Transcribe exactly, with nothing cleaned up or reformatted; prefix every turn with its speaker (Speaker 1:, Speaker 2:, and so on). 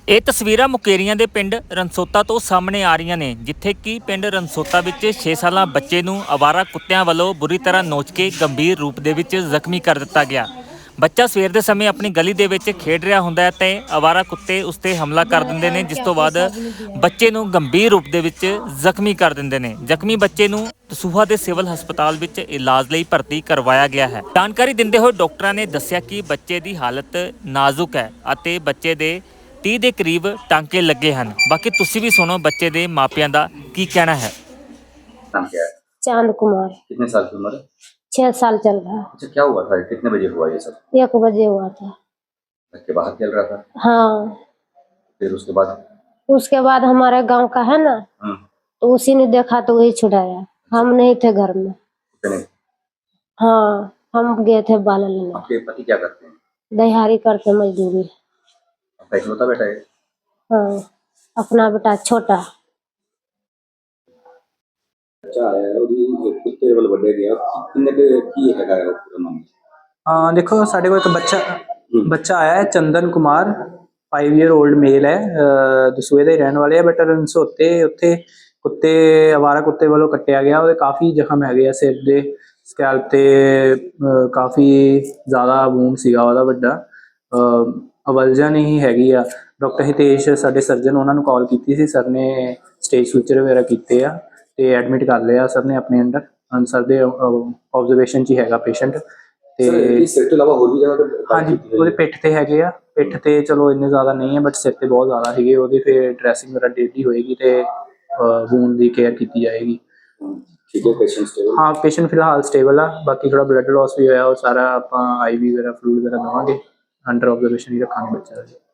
Speaker 1: ਇਹ ਤਸਵੀਰਾਂ ਮੁਕੇਰੀਆਂ ਦੇ ਪਿੰਡ ਰਣਸੋਤਾ ਤੋਂ ਸਾਹਮਣੇ ਆ ਰਹੀਆਂ ਨੇ, ਜਿੱਥੇ ਕਿ ਪਿੰਡ ਰਣਸੋਤਾ ਵਿੱਚ ਛੇ ਸਾਲਾ ਬੱਚੇ ਨੂੰ ਅਵਾਰਾ ਕੁੱਤਿਆਂ ਵੱਲੋਂ ਬੁਰੀ ਤਰ੍ਹਾਂ ਨੋਚ ਕੇ ਗੰਭੀਰ ਰੂਪ ਦੇ ਵਿੱਚ ਜ਼ਖਮੀ ਕਰ ਦਿੱਤਾ ਗਿਆ। ਬੱਚਾ ਸਵੇਰ ਦੇ ਸਮੇਂ ਆਪਣੀ ਗਲੀ ਦੇ ਵਿੱਚ ਖੇਡ ਰਿਹਾ ਹੁੰਦਾ ਹੈ ਤੇ ਅਵਾਰਾ ਕੁੱਤੇ ਉਸ ਤੇ ਹਮਲਾ ਕਰ ਦਿੰਦੇ ਨੇ, ਜਿਸ ਤੋਂ ਬਾਅਦ ਬੱਚੇ ਨੂੰ ਗੰਭੀਰ ਰੂਪ ਦੇ ਵਿੱਚ ਜ਼ਖਮੀ ਕਰ ਦਿੰਦੇ ਨੇ। ਜ਼ਖਮੀ ਬੱਚੇ ਨੂੰ ਦਸੂਹਾ ਦੇ ਸਿਵਲ ਹਸਪਤਾਲ ਵਿੱਚ ਇਲਾਜ ਲਈ ਭਰਤੀ ਕਰਵਾਇਆ ਗਿਆ ਹੈ। ਜਾਣਕਾਰੀ ਦਿੰਦੇ ਹੋਏ ਡਾਕਟਰਾਂ ਨੇ ਦੱਸਿਆ ਕਿ ਬੱਚੇ ਦੀ ਹਾਲਤ ਨਾਜ਼ੁਕ ਹੈ ਅਤੇ ਬੱਚੇ ਦੇ तीस के करीब टांके लगे हैं। बाकी तुसी भी सुनो बच्चे दे मापियां दा की कहना है।
Speaker 2: नाम क्या है?
Speaker 3: चांद कुमार।
Speaker 2: कितने साल की उम्र है?
Speaker 3: छह साल चल रहा है।
Speaker 2: अच्छा, क्या हुआ था? कितने बजे हुआ ये सब?
Speaker 3: एक बजे हुआ था।
Speaker 2: घर के बाहर खेल रहा था?
Speaker 3: हाँ।
Speaker 2: फिर उसके बाद?
Speaker 3: उसके बाद हमारे गांव का है ना, तो उसी ने देखा तो वही छुड़ाया। हम नहीं थे घर में।
Speaker 2: नहीं।
Speaker 3: हाँ, हम गए थे बाल लेने।
Speaker 2: आपके पति क्या करते हैं?
Speaker 3: दिहाड़ी करते मजदूरी।
Speaker 2: आपका इकलौता बेटा है?
Speaker 3: हाँ, अपना बेटा छोटा।
Speaker 2: अच्छा है, ਉਹਦੀ ਕੁੱਤੇ ਵੱਲ ਵੱਡੇ ਗਿਆ ਕਿੰਨੇ ਕੀ ਹੈਗਾ ਹੈ ਪੂਰਾ ਨਾਮ?
Speaker 4: ਹਾਂ ਦੇਖੋ, ਸਾਡੇ ਕੋਲ ਇੱਕ ਬੱਚਾ ਬੱਚਾ ਆਇਆ ਹੈ, Chandan Kumar, five year old male है, ਦਸੂਹੇ ਦੇ ਰਹਿਣ ਵਾਲੇ ਆ। ਬਟ ਰਣਸੋਤੇ ਉੱਥੇ ਕੁੱਤੇ ਅਵਾਰਾ ਕੁੱਤੇ ਵੱਲੋਂ ਕੱਟਿਆ ਗਿਆ। ਉਹਦੇ ਕਾਫੀ ਜ਼ਖਮ ਹੈਗੇ ਆ, ਸਿਰ ਦੇ ਸਕੈਲਪ ਤੇ ਕਾਫੀ ਜ਼ਿਆਦਾ ਵੂਨ ਸੀਗਾ ਉਹਦਾ ਵੱਡਾ। ਅਵਲਜਨ ਹੀ ਹੈਗੀ ਆ। ਡਾਕਟਰ ਹਿਤੇਸ਼ ਸਾਡੇ ਸਰਜਨ, ਉਹਨਾਂ ਨੂੰ ਕਾਲ ਕੀਤੀ ਸੀ। ਸਰ ਨੇ ਸਟੇਜ ਸੂਚਰ ਵਗੈਰਾ ਕੀਤੇ ਆ ਤੇ ਐਡਮਿਟ ਕਰ ਲਿਆ ਸਰ ਨੇ ਆਪਣੇ ਅੰਡਰ। ਸਰ ਦੇ ਆਬਜ਼ਰਵੇਸ਼ਨ 'ਚ ਹੀ ਹੈਗਾ ਪੇਸ਼ੈਂਟ। ਤੇ
Speaker 2: ਸਿਰ ਤੋਂ ਇਲਾਵਾ ਹੋਰ ਵੀ ਜਗ੍ਹਾ ਤੇ?
Speaker 4: ਹਾਂਜੀ, ਉਹਦੇ ਪਿੱਠ ਤੇ ਹੈਗੇ ਆ। ਪਿੱਠ ਤੇ ਚਲੋ ਇੰਨੇ ਜ਼ਿਆਦਾ ਨਹੀਂ ਹੈ, ਬਟ ਸਿਰ ਤੇ ਬਹੁਤ ਜ਼ਿਆਦਾ ਸੀਗੇ ਉਹਦੇ। ਫਿਰ ਡਰੈਸਿੰਗ ਵਗੈਰਾ ਡੇਲੀ ਹੋਏਗੀ ਤੇ ਵੂਨ ਦੀ ਕੇਅਰ ਕੀਤੀ ਜਾਏਗੀ।
Speaker 2: ਠੀਕ ਹੈ, ਪੇਸ਼ੈਂਟ ਸਟੇਬਲ?
Speaker 4: ਹਾਂ, ਪੇਸ਼ੈਂਟ ਫਿਲਹਾਲ ਸਟੇਬਲ ਆ। ਬਾਕੀ ਥੋੜਾ ਬਲੱਡ ਲਾਸ ਵੀ ਹੋਇਆ, ਉਹ ਸਾਰਾ ਆਪਾਂ ਆਈ ਵੀ ਵਗੈਰਾ ਫਲੂਇਡ ਵਗੈਰਾ ਦੇਵਾਂਗੇ। ਅੰਡਰ ਆਬਜ਼ਰਵੇਸ਼ਨ ਹੀ ਰੱਖਾਂਗੇ ਬੱਚਾ।